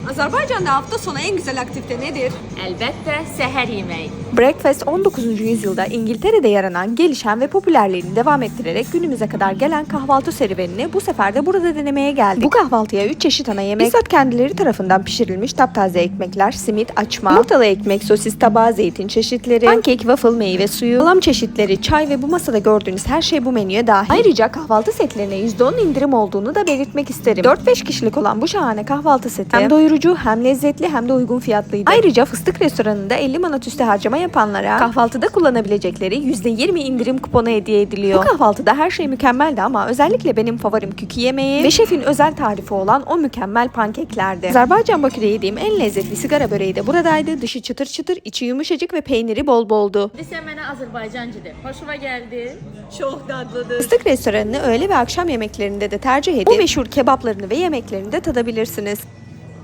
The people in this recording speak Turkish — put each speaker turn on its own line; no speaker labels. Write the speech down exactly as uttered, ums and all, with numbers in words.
Azerbaycan'da hafta sonu en güzel aktivite nedir?
Elbette seher yemeği.
Breakfast on dokuzuncu yüzyılda İngiltere'de yaranan, gelişen ve popülerliğini devam ettirerek günümüze kadar gelen kahvaltı serüvenini bu sefer de burada denemeye geldik. Bu kahvaltıya üç çeşit ana yemek, bizzat kendileri tarafından pişirilmiş taptaze ekmekler, simit, açma, yumurtalı ekmek, sosis tabağı, zeytin çeşitleri, pankek, waffle, meyve suyu, salam çeşitleri, çay ve bu masada gördüğünüz her şey bu menüye dahil. Ayrıca kahvaltı setlerine yüzde on indirim olduğunu da belirtmek isterim. dört beş kişilik olan bu şahane kahvaltı seti hem doyurucu, hem lezzetli, hem de uygun fiyatlıydı. Ayrıca Fıstık Restoranı'nda elli manat üstü harcama yapanlara kahvaltıda kullanabilecekleri yüzde yirmi indirim kuponu hediye ediliyor. Bu kahvaltıda her şey mükemmeldi ama özellikle benim favorim kükü yemeği ve şefin özel tarifi olan o mükemmel pankeklerdi. Azerbaycan Bakü'de yediğim en lezzetli sigara böreği de buradaydı. Dışı çıtır çıtır, içi yumuşacık ve peyniri bol boldu.
Desem bana Azerbaycancıdır. Hoşuma geldi.
Çok tatlıdır.
Fıstık Restoranı'nı öğle ve akşam yemeklerinde de tercih edip bu meşhur kebaplarını ve yemeklerini de tadabilirsiniz.